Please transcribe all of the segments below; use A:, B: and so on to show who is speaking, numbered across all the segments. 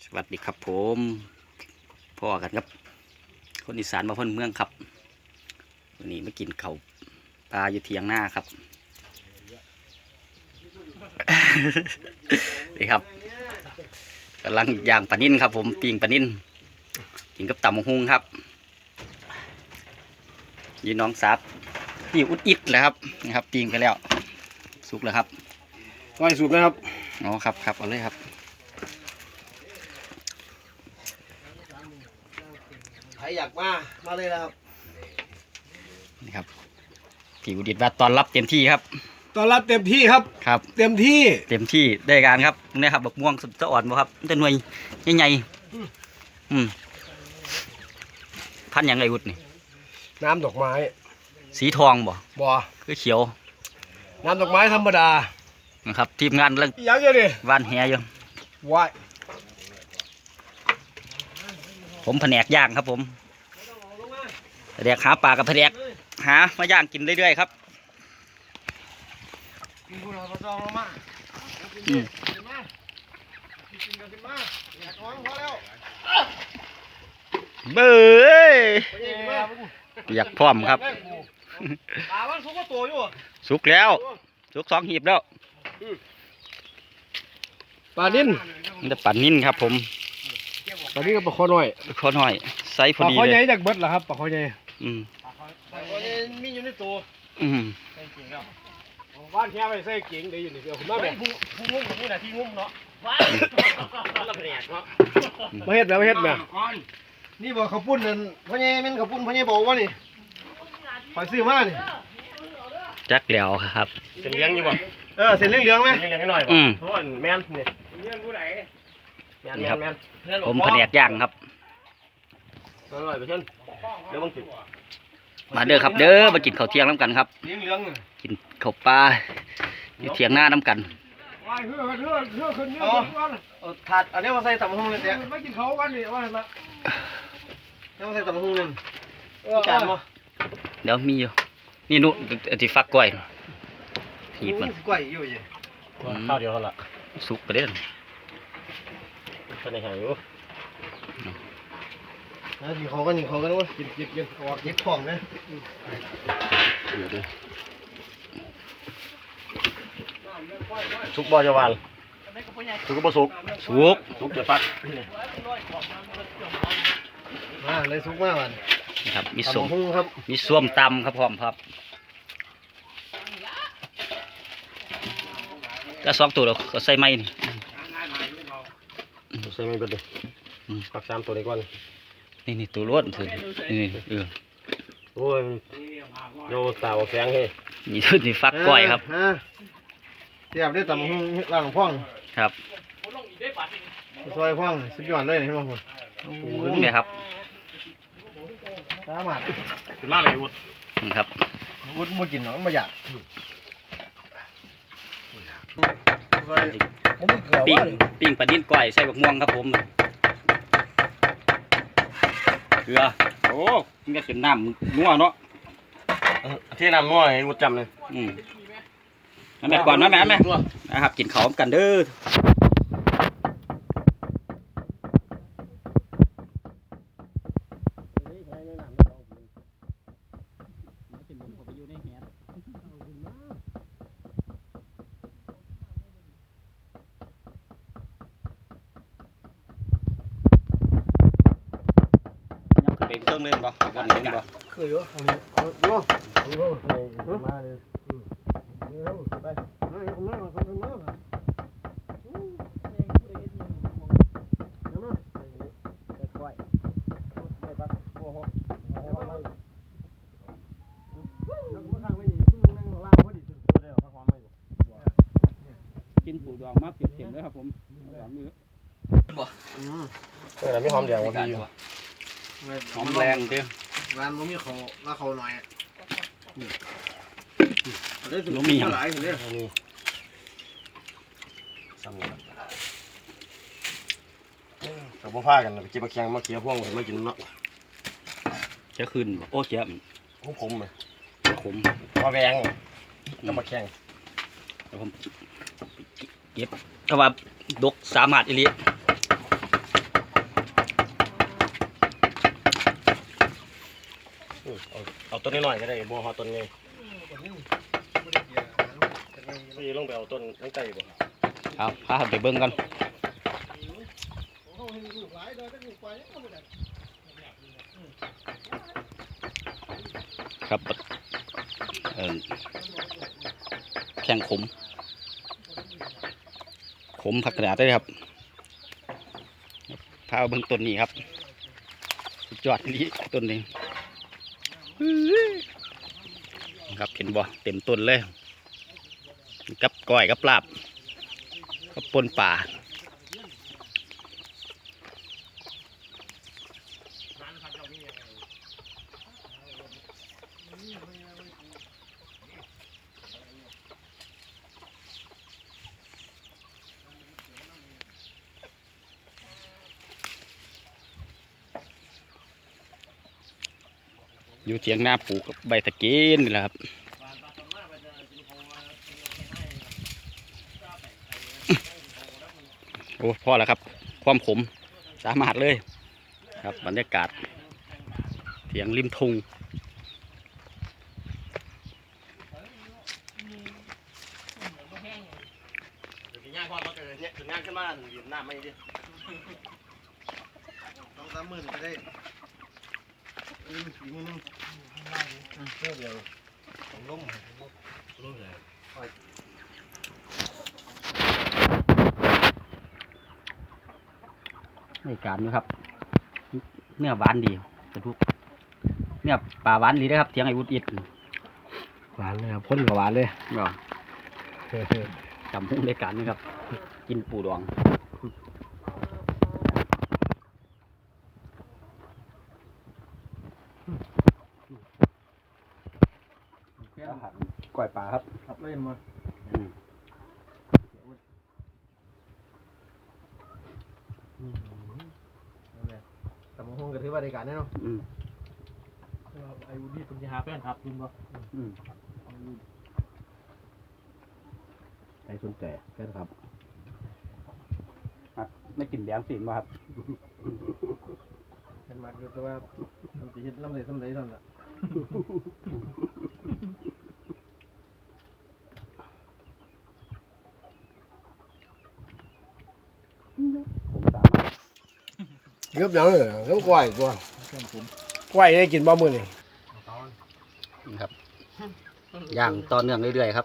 A: สวัสดีครับผมพ่อกันครับคนอีสานมาพ้นเมืองครับวันนี้มากินข้าวปลาอยู่เทียงหน้าครับ นี่ครับกำลังย่างปลานิ่นครับผมปิ้งปลานิ่นกินกับตำมะฮุงครับยีน้องซับพี่อุดอิดเลยครับนี่ครับปิ้งไปแล้วสุกแล้วครับ
B: ไว้สุดนะครับ
A: อ๋อครับครับเอาเลยครับ
B: ใครอยากมาเลยนะครับ
A: นี่ครับพี่อุดิตว่าตอนรับเต็มที่ครับ
B: ตอนรับเต็มที่ครับ
A: ครับ
B: เต็มที่
A: ได้การครับนี่ครับบักม่วงจะอ่อนบ่ครับจะหน่วยใหญ่พันอย่างไรอุดนี่
B: น้ำดอกไม้
A: สีทองบ่คือเขียว
B: น้ำดอกไม้ธรรมดา
A: นะครับทีมงานเรื่อง
B: ยังไงดิ
A: วานแหอยู่
B: ว้าย
A: ผมแผนกย่างครับผมแผนกหาปลากับแผนกหามาย่างกินเรื่อยๆครับเบ้ยอยากพร้อมครับสุกแล้วสุก2 หีบแล้ว
B: ปลานิ่น
A: จะปั่นนิ่นครับผม
B: ปลานิ่นกับปลาคอหน่อย
A: ไซส์พอดีเลย
B: ปลาคอใหญ่จากเบิดเหรอครับปลาคอใหญ่ปลาคอใหญ่มีอยู่ในตัวบ้านแค่ไปใส่เก่งได้อยู่ในเดียวผมมาแบบผู้งุ้มกับผู้ไหนที่งุ้มเนาะเราเป็นแอกเนาะมาเฮ็ดแบบนี่บอกข้าวปุ้นนั่นพ่อใหญ่เป็นข้าวปุ้นพ่อใหญ่บอกว่านี่คอยซื้อมานี่
A: จักแล้วครับ
B: เส้นเลี้ยงอยู่บ่เส้นเลี้ยงไหมเส้นเลี้ยงนิดหน่อยบ่เพราะว่าแม่นนี่เลี้ยงผู้ไหนแม่น
A: ผมแผนกย่างครับ
B: อร่อยไปเช่นเดี๋ยวบังติด
A: มาเด้อครับเด้อมากินข้าวเที่ยงน้ำกันครับกินข้าวปลาอยู่เที่ยงหน้าน้ำกัน
B: ถาดอันนี้มาใส่ตำหุ่งเลยเนี่ยไม่กินเขากันนี่ว่าละนี่มาใส่ตำหุ่งเลยจานมั้ง
A: เดี๋ยวมีอยู่นี่นุที่ฟักกล้วยหีบมัน
B: กล้วยอยู่ยี่ข้าวเดียวเท่าละ
A: สุกไปเด้อ
B: เป็นไงอยู่กินเขากันว่ากินออกเย็บของนะสุกบ่จะวานสุกก็บ่สุกจะฟักเลยสุกมากวัน
A: ครับมีส้ม
B: ครับ
A: มีส้มตำครับพร้อมครับก็2 ตัวเราก็ใส่ไม้นี่
B: ใส่ไม้เบิดเลยฟัก3 ตัวได้ก่อน
A: นี่ตัวล้วนถือนี่
B: โอ้ยโยตาวแฝงเฮ้
A: นี่ชุดนี่ฟักก้อยครับ
B: เทียบได้ตำหุ่งล่างพ่อง
A: ครับ
B: ซอยพ่องสุดยอดเลยเห็นไหมคุณ
A: เนี่ยครับ
B: สามารถเป็นมากเลยวุฒิ
A: ครับ
B: วุฒิมุดกินหนองมาอยาก
A: ปิ้งปลาดิ้นก้อยใส่บักม่วงครับผมเกลือโอ้มันก็เป็นน้ำนัวเนาะ
B: ที่น้ำนัวไอ้วุฒิจำเลย
A: แม่ก่อนนะแม่นะครับกินข้าวกันเด้อเป็นเครื่องเล่นบ่วันนี้บ่
B: เคยอยู่มาเลยไป
A: กินปูดองมาเก็บเข็มเลยครับผมบ่
B: ไม่หอมแดงวันดี
A: หอมแรงเด้อ
B: ร้านมันมีเขาละเขาหน่อย
A: มี
B: หลายคนเนี่ยกับพ่อพากันกินปลาเคียงมาเคี้ยวพ่วงมากินเนาะ
A: จะขึ้นโอ้เจี๊ยบ
B: ขมเลย
A: ขม
B: ปลาแวงกับปลาเคียง
A: ผมเก็บถ้าว่าดกสามารถอีลี
C: ต้นน้อยๆก็ได้บ่ฮอต้นใหญ่พี่ลงไปเอาต้นตั้งใจบ่
A: เอาพาไปเบิ่งกันครับแข้งขมผักกระดาษได้ครับพาเบิ่งต้นนี้ครับสุดยอดนี้ต้นนี้ครับเห็นบ่เต็มต้นเลยกับก้อยกับลาบกับปนป่าอยู่เถียงหน้าปลูกใบตะเกียนนี่แหละครับโอ้พอแล้วครับความขมสามารถเลยครับบรรยากาศเถียงริมทุ่ง
C: ย่างพอมาเกิดเนี่ยถึงงานขึ้นมาหยิบน้ำไม่ดิต้อง30,000ก็ได้40,000นึงเดียวผมล้มเลย
A: ในการนี้ครับเนื้อหวานดีกระทุกเนื้อปลาหวานดีนะครับเถียงไอ้วุฒิอิด
B: หวานเลยครับพ่นกับหวานเลย
A: ก็จำพุ่งในการนี้ครับกินปูดองก้อยปลาครับ
B: ครับเล่นมาแต่มห้องก็ถือว่าได้การแน่นอนไอ้วุฒิเป็นยาแฟนครับคุณบ่ใครสนใจแฟนครับ
A: ไม่กินแดงสิมาครับ
B: เห็นมาคือแต่ว่ามันจะเห็นลำเลยลำเลยนั่นแหละ
A: ผมสามารถ
B: เกือบยังเลยเกือบกล้วยตัวกล้วยได้กินบ่มื้อนี่
A: นี่ครับย่างต่อเนื่องเรื่อยๆครับ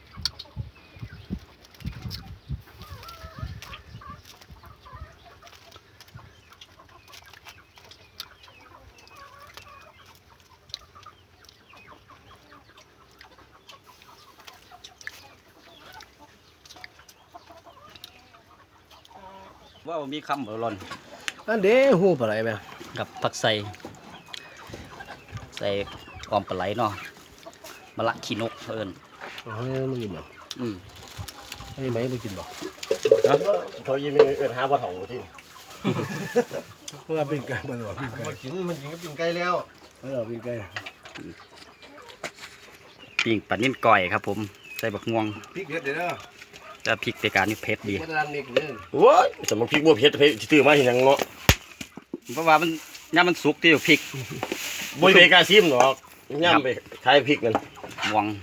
A: ว่ามีคำหล่น
B: อันเด้หูปลาไหลไหม
A: กับผักใส่ออมปลาไหลเนาะมะละขี้นกเอิญ
B: อ๋อไม่กินบ่ ให้ไหมไม่กินบ่
C: เขายิ้มเอิ้นหาบ่เฒ่าที่
B: เพราะว่าเป็นไก่มันหรอเป็นไก่
C: มันกินก็กินไก่แล้ว
B: เป็นไก่
A: ปิ้งปลานิ่นก่อยครับผมใส่บักม่วง
B: พริกเผ็ดเด้อ
A: แต่พริกในการนี่เผ็ดดี
B: มันร้านนี้เลย
C: โอ้ยสมมุติพริกบ่เผ็ดตื้อมาเห็นหยังเนาะ
A: เพราะว่ามันย่ามันสุกที่พริก
C: บ่ไปกล้าซิมหรอกย่ำไปขายพริกนั่น
A: ม่วง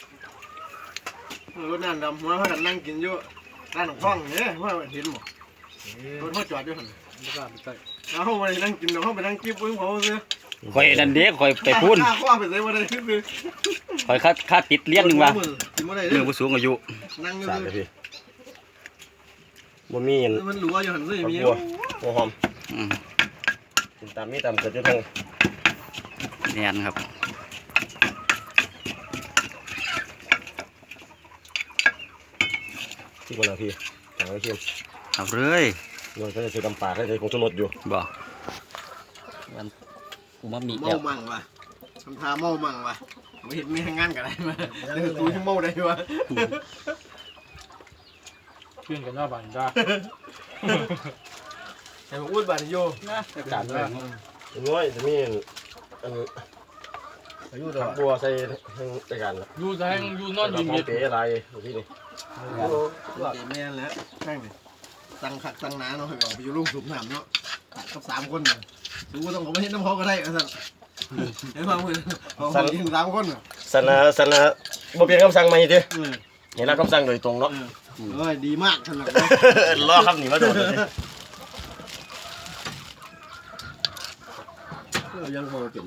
B: รถนั่นดำหัวเขานั่งกินอยู่ร้านของฟ้องเนี่ยว่าเห็นบ่รถเขาจอดอยู่หั่นไม่กล้าไปใกล้แล้วเขาไปนั่งกินแล้วเขาไปนั่งกิ๊บเพิ่งเขาซื้อ
A: ข่อยนั่นเด้ข่อยไปพูน
B: ข้าไปใส่บ่ได้ซื้อ
A: ข่อยค่าติดเลี้ยงหนึงว่า
B: กินบ่ได้
A: เรื่องผู้สูงอายุ
B: นั่งอยู่
C: สาดเลยพี่บ่มีอัน
B: มันรู้ว่าอยู่หั่นซื้อมี
C: บัวหัวหอม
A: อืม
C: กินตามมีตามเกิดอยู่ทั้ง
A: แน่นครับ
C: ที่บ่ล่ะพี่ทางไว้ชิม
A: เอาเลย
C: โดยเขาจะใส่ตำปลาเขาจะใส่ผงชูรสอยู่
A: บ่มันอูมามิ
B: เมา
A: แล้ว
B: มั่งว่ะทำท่าเมามั่งว่ะไม่เห็นมีทางงานกันได้มาเรื่องตู้ที่เมาได้วะ
D: เพื่อนกันว่าบ้านจ้า
B: แต่ผมพูดบาดโย
A: การเลย
C: น้อยจะมีอัน
B: อายุ
C: ผั
B: ตัว
C: กบัวใส่ทั้งรายการละ
D: อยู่แทงอยู่นอน
C: เรา
D: ยิ้ม
C: พร้อ
D: เม็
C: ม
D: ด
C: เป๋อะไรอยู่ที่นี่
B: แม่นแล้วนั่งดิตั้งขัดตั้งหนาเนาะให้ออกไปอยู่ลูกสูบน้ำเนาะกับ3 คนเนี่ยสูก็ต้องเขาไม่เห็นน้ำเขาก็ได้สั่นเห็นป่ะมึงสั่งยิง3คนอ่ะ
C: สันนะบ่เปลี่ยนคำสั่งใหม่ดิเห็นแล้วคำสั่งโดยตรงเนาะ
B: เอ้ยดีมากขนาด
C: รอคำนี้มาโดนเลย
B: ยังพอเปลี่ยนละ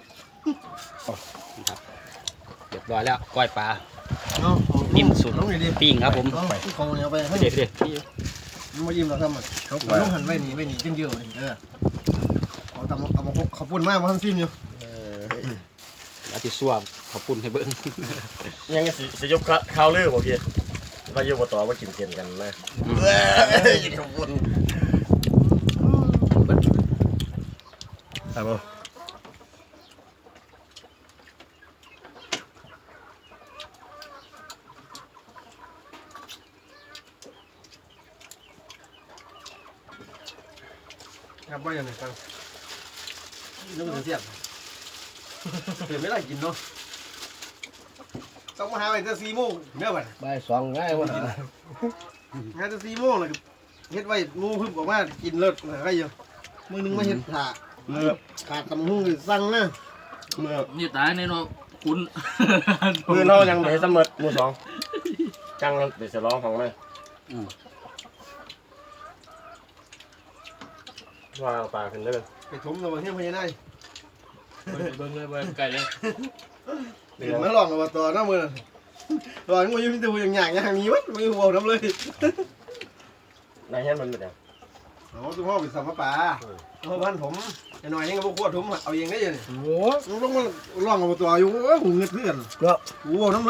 A: เรียบร้อยแล้วก้อยปลา
B: เอา
A: นิ่มสุด
B: น้องหน่อยดิ
A: ปิ้งครับผม
B: เขาเนี่ยไปให้
A: เด็ดเด็ด
B: มันมายิ้มเราทำอ่ะเขาต้องหันไว้หนีจังเดียวเลยเอาตำเอามาพกเขาปุ่นมากมาทำซิมอยู่
A: แล้วที่ซัวขอบคุณให้เบิ้ง
C: ยังสิยกข้าวลือบ่พี่ว่าอยู่บ่ต่อว่ากินเกินกันนะกินข้าวปุ้นครับผม
B: ครับว่าอย่างไรกันนึกถึงเสียบเห็นไม่ได้กินเนาะต้องมาหาไปจะ4 โมงเมื่อวัน
C: บ่ายสองง่ายวะ
B: งานจะ4 โมงเลยเฮ็ดไว้งูพึ่งบอกว่ากินเลิศอะไรอยู่มือนึงมาเฮ็ดผ่าขาดตำหุ้งสั่งนะ
C: เมื่อ
D: นี่ตายในเนาะคุณ
C: มือเรายังไม่เสมอมือสองจังเดี๋ยวจะร้องของเลยว่าเอาปลาขึ้นเลย
B: ไปถมตัวเที่ยงพญานาค
D: เบิ่งเลยเบิ่งไก่เลย
B: เดี๋ยวมาลองกับตัวน้ามือลองมือยุ่งตัวอย่างอย่างนี้วะมือหัวน้ำเลย
C: นายเห็นมันเป็นยัง
B: โอ้ตัวพ่อเป็นสัมภาระพ่อพันผมจะหน่อยยังกับพวกขวดถมเอาเองได้ยัง
C: โอ้
B: ต้องมาลองกับตัวอยู่หูเงือกเลื่อนก็หูน้ำ